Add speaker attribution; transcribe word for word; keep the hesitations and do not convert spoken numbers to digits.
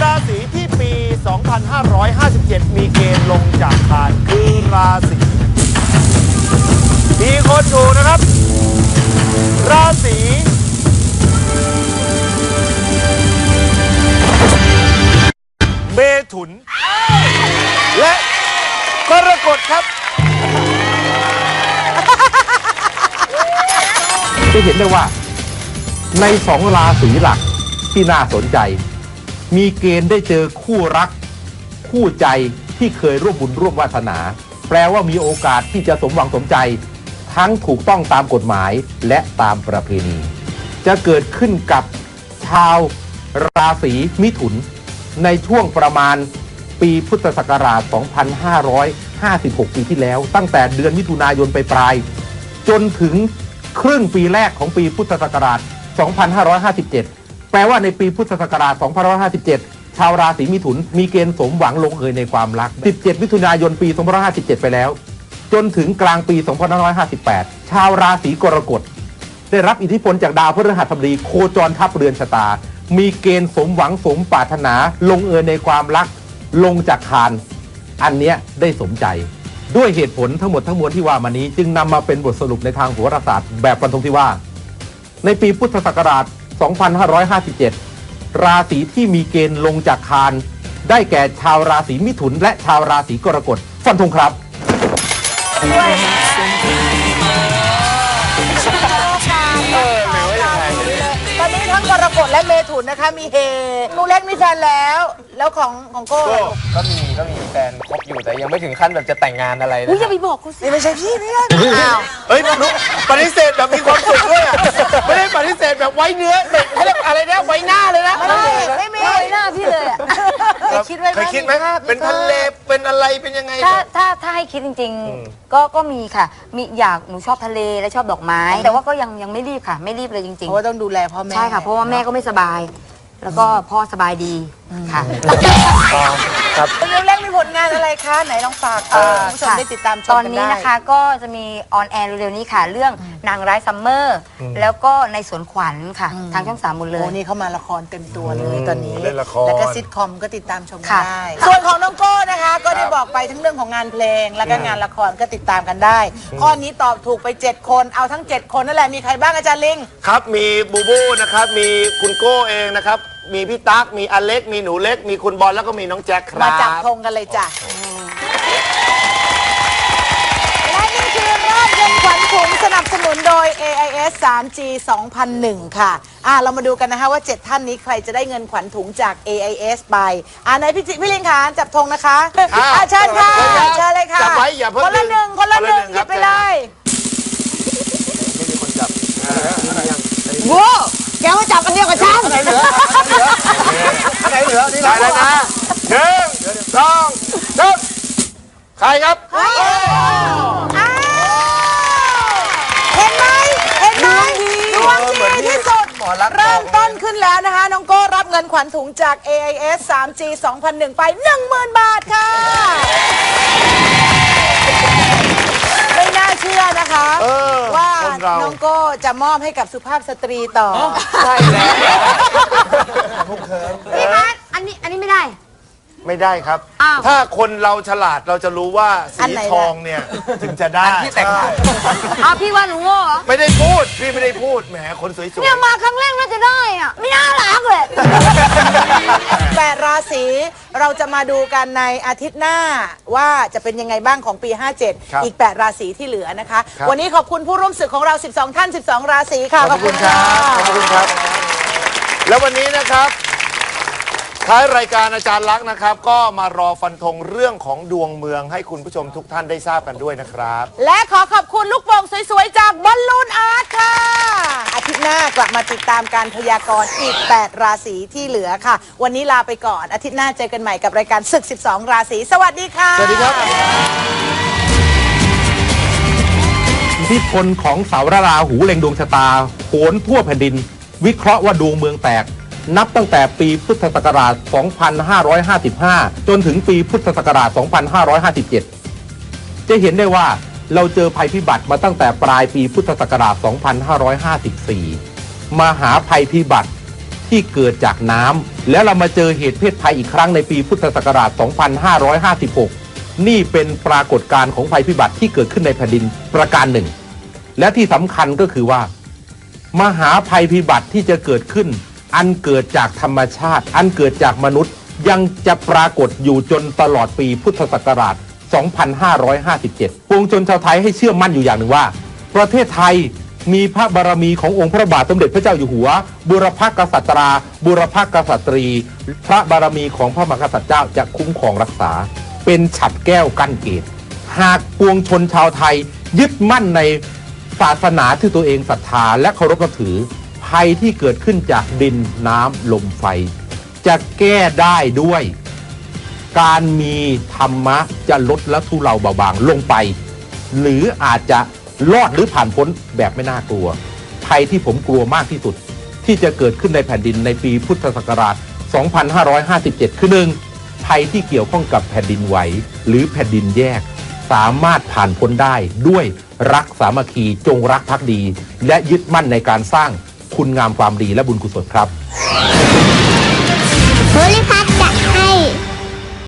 Speaker 1: ราศีที่ปี สองพันห้าร้อยห้าสิบเจ็ด มีเกณฑ์ลงจากคานคือราศีมีคนถูกนะครับราศีเมถุนและกรกฎครับ
Speaker 2: จะเห็นได้ว่าในสองราศีหลักที่น่าสนใจมีเกณฑ์ได้เจอคู่รักคู่ใจที่เคยร่วมบุญร่วมวาสนาแปลว่ามีโอกาสที่จะสมหวังสมใจทั้งถูกต้องตามกฎหมายและตามประเพณีจะเกิดขึ้นกับชาวราศีมิถุนในช่วงประมาณปีพุทธศักราช สองพันห้าร้อยห้าสิบหก ปีที่แล้วตั้งแต่เดือนมิถุนายนไปปลายจนถึงครึ่งปีแรกของปีพุทธศักราช สองพันห้าร้อยห้าสิบเจ็ด แปลว่าในปีพุทธศักราช สองพันห้าร้อยห้าสิบเจ็ด ชาวราศีมิถุนมีเกณฑ์สมหวังลงเอยในความรัก สิบเจ็ด มิถุนายนปี สองพันห้าร้อยห้าสิบเจ็ด ไปแล้วจนถึงกลางปี สองพันห้าร้อยห้าสิบแปด ชาวราศีกรกฎได้รับอิทธิพลจากดาวพฤหัสบดีโคจรทับเรือนชะตามีเกณฑ์สมหวังสมปรารถนาลงเอยในความรักลงจากคานอันเนี้ยได้สมใจด้วยเหตุผลทั้งหมดทั้งมวลที่ว่ามานี้จึงนำมาเป็นบทสรุปในทางโหราศาสตร์แบบฟันธงที่ว่าในปีพุทธศักราช สองพันห้าร้อยห้าสิบเจ็ด ราศีที่มีเกณฑ์ลงจากคานได้แก่ชาวราศีมิถุนและชาวราศีกรกฎฟันธงครับ
Speaker 3: ตอนนี้ทั้งกรกฎและเมถุนนะคะมีเฮนูเล็กมีแฟนแล้วแล้วของของโก้
Speaker 4: ก็มีก็มีแฟนคบอยู่แต่ยังไม่ถึงขั้นแบบจะแต่งงานอะไรนะ
Speaker 3: อย่าไปบอกกูสิไม่ใช่พี่ไม่ได้อ้าว
Speaker 1: เฮ้ยนุ๊กปฏิเสธแบบมีความสุขด้วยอ่ะไม่ได้ปฏิเสธแบบไว้เนื้อเขาเรียกอะไรนะไว้หน้าเลยนะ
Speaker 3: ไม่ไม่มีไว้หน้าพี่เลยอ่ะเคยคิดไว้ไหม
Speaker 1: เคยคิดไหมเป็นทะเลเป็นอะไรเป็นยังไง
Speaker 5: ถ้าถ้าถ้าให้คิดจริงๆก็ก็มีค่ะมีอยากหนูชอบทะเลและชอบดอกไม้แต่ว่าก็ยังยังไม่รีบค่ะไม่รีบเลยจริงๆ
Speaker 3: เพราะว่าต้องดูแลพ่อแม่
Speaker 5: ใช่ค่ะเพราะว่าแม่ก็ไม่สบายแล้วก็พ่อสบายดีค่ะ
Speaker 1: ครับ
Speaker 3: นูเล็กมีผลงานอะไรคะไหนลองฝากคุณผู้ชมได้ติดตามชมกันได้
Speaker 5: ตอนนี้นะคะก็จะมีออนแอร์เร็วๆนี้ค่ะเรื่องนางร้ายซัมเมอร์แล้วก็ในสวนขวัญค่ะทางช่องสามหมดเลย
Speaker 3: โอ้นี่เขามาละครเต็มตัวเลยตอนนี้
Speaker 1: เล่นละคร
Speaker 3: แล้วก็ซิทคอมก็ติดตามชมกันได้ส่วนของน้องโก้นะคะก็ได้บอกไปทั้งเรื่องของงานเพลงแล้วก็งานละครก็ติดตามกันได้ข้อนี้ตอบถูกไปเจ็ดคนเอาทั้งเจ็ดคนนั่นแหละมีใครบ้างอาจารย์ลิง
Speaker 1: ครับมีบูบูนะครับมีคุณโก้เองนะครับมีพี่ตั๊กมีอเล็กมีหนูเล็กมีคุณบอลแล้วก็มีน้องแจ็คครับ
Speaker 3: มาจับธงกันเลยจ้ะและนี่คือรอบเย็นขวัญถุงสนับสนุนโดย เอ ไอ เอส ทรี จี สองพันหนึ่ง ค่ะอ่ะเรามาดูกันนะคะว่าเจ็ดท่านนี้ใครจะได้เงินขวัญถุงจาก เอ ไอ เอส ไปอ่ะไหนพี่พี่ลิงค่ะจับธงนะคะอ่ะเชิญค่ะเชิญเลยค่ะ
Speaker 1: จับไว้อย่าเพิ่ง
Speaker 3: คนละหนึ่งคนละหนึ่งหยิบไปเลย
Speaker 1: ไม่มีคนจับ
Speaker 3: โว้แกมาจับอันเดียวกับฉัน
Speaker 1: อันไหนเหลืออันไหนเหลือนี่ได้แล้วนะหนึ่งสองสามใครครับ
Speaker 3: เห็นไหมเห็นไหมดวงดีที่สุดเริ่มต้นขึ้นแล้วนะคะน้องโก้รับเงินขวัญถุงจาก เอ ไอ เอส ทรี จี สองพันหนึ่ง ไป หนึ่งหมื่น บาทค่ะไม่น่าเชื่อนะคะว่าน้องโก้จะมอบให้กับสุภาพสตรีต่อ
Speaker 1: ใช่แล้ว
Speaker 5: พี่คะอันนี้อันนี้ไม่ได้
Speaker 1: ไม่ได้ครับถ้าคนเราฉลาดเราจะรู้ว่าสีทองเนี่ยถึงจะได้
Speaker 4: ที่แต่งได้
Speaker 5: อ้าวพี่ว่าหนูโง่เหรอ
Speaker 1: ไม่ได้พูดพี่ไม่ได้พูดแหมคนสวยๆ
Speaker 5: เนี่ยมาครั้งแรกน่าจะได้อ่ะไม่น่ารักเลย
Speaker 3: แปดราศีเราจะมาดูกันในอาทิตย์หน้าว่าจะเป็นยังไงบ้างของปีห้าเจ็ดอีกแปดราศีที่เหลือนะคะวันนี้ขอบคุณผู้ร่วมศึกของเราสิบสองท่านสิบสองราศีค่ะ
Speaker 1: ขอบคุณครับขอบคุณครับแล้ววันนี้นะครับท้ายรายการอาจารย์ลักษณ์นะครับก็มารอฟันธงเรื่องของดวงเมืองให้คุณผู้ชมทุกท่านได้ทราบกันด้วยนะครับ
Speaker 3: และขอขอบคุณลูกโป่งสวยๆจากบอลลูนอาร์ตค่ะอาทิตย์หน้ากลับมาติดตามการพยากรณ์อีกแปดราศีที่เหลือค่ะวันนี้ลาไปก่อนอาทิตย์หน้าเจอกันใหม่กับรายการศึกสิบสองราศีสวัสดีค่ะ
Speaker 1: สวัสดีครับ
Speaker 2: อิทธิพลของเสาราหูเล็งดวงชะตาโหนทั่วแผ่นดินวิเคราะห์ว่าดวงเมืองแตกนับตั้งแต่ปีพุทธศักราช สองพันห้าร้อยห้าสิบห้า จนถึงปีพุทธศักราช สองพันห้าร้อยห้าสิบเจ็ด จะเห็นได้ว่าเราเจอภัยพิบัติมาตั้งแต่ปลายปีพุทธศักราช สองพันห้าร้อยห้าสิบสี่ มหาภัยพิบัติที่เกิดจากน้ำแล้วเรามาเจอเหตุเพศภัยอีกครั้งในปีพุทธศักราช สองพันห้าร้อยห้าสิบหก นี่เป็นปรากฏการณ์ของภัยพิบัติที่เกิดขึ้นในแผ่นดินประการหนึ่งและที่สำคัญก็คือว่ามหาภัยพิบัติที่จะเกิดขึ้นอันเกิดจากธรรมชาติอันเกิดจากมนุษย์ยังจะปรากฏอยู่จนตลอดปีพุทธศักราช สองพันห้าร้อยห้าสิบเจ็ด ปวงชนชาวไทยให้เชื่อมั่นอยู่อย่างหนึ่งว่าประเทศไทยมีพระบารมีขององค์พระบาทสมเด็จพระเจ้าอยู่หัวบุรพกษัตราบุรพกษัตรีพระบารมีของพระมหากษัตริย์เจ้าจะคุ้มครองรักษาเป็นฉัตรแก้วกั้นเกตหากปวงชนชาวไทยยึดมั่นในศาสนาที่ตัวเองศรัทธาและเคารพนับถือภัยที่เกิดขึ้นจากดินน้ำลมไฟจะแก้ได้ด้วยการมีธรรมะจะลดและทุเลาเบาบางลงไปหรืออาจจะรอดหรือผ่านพ้นแบบไม่น่ากลัวภัยที่ผมกลัวมากที่สุดที่จะเกิดขึ้นในแผ่นดินในปีพุทธศักราช สองพันห้าร้อยห้าสิบเจ็ด คือหนึ่งภัยที่เกี่ยวข้องกับแผ่นดินไหวหรือแผ่นดินแยกสามารถผ่านพ้นได้ด้วยรักสามัคคีจงรักภักดีและยึดมั่นในการสร้างคุณงามความดีและบุญกุศลครับ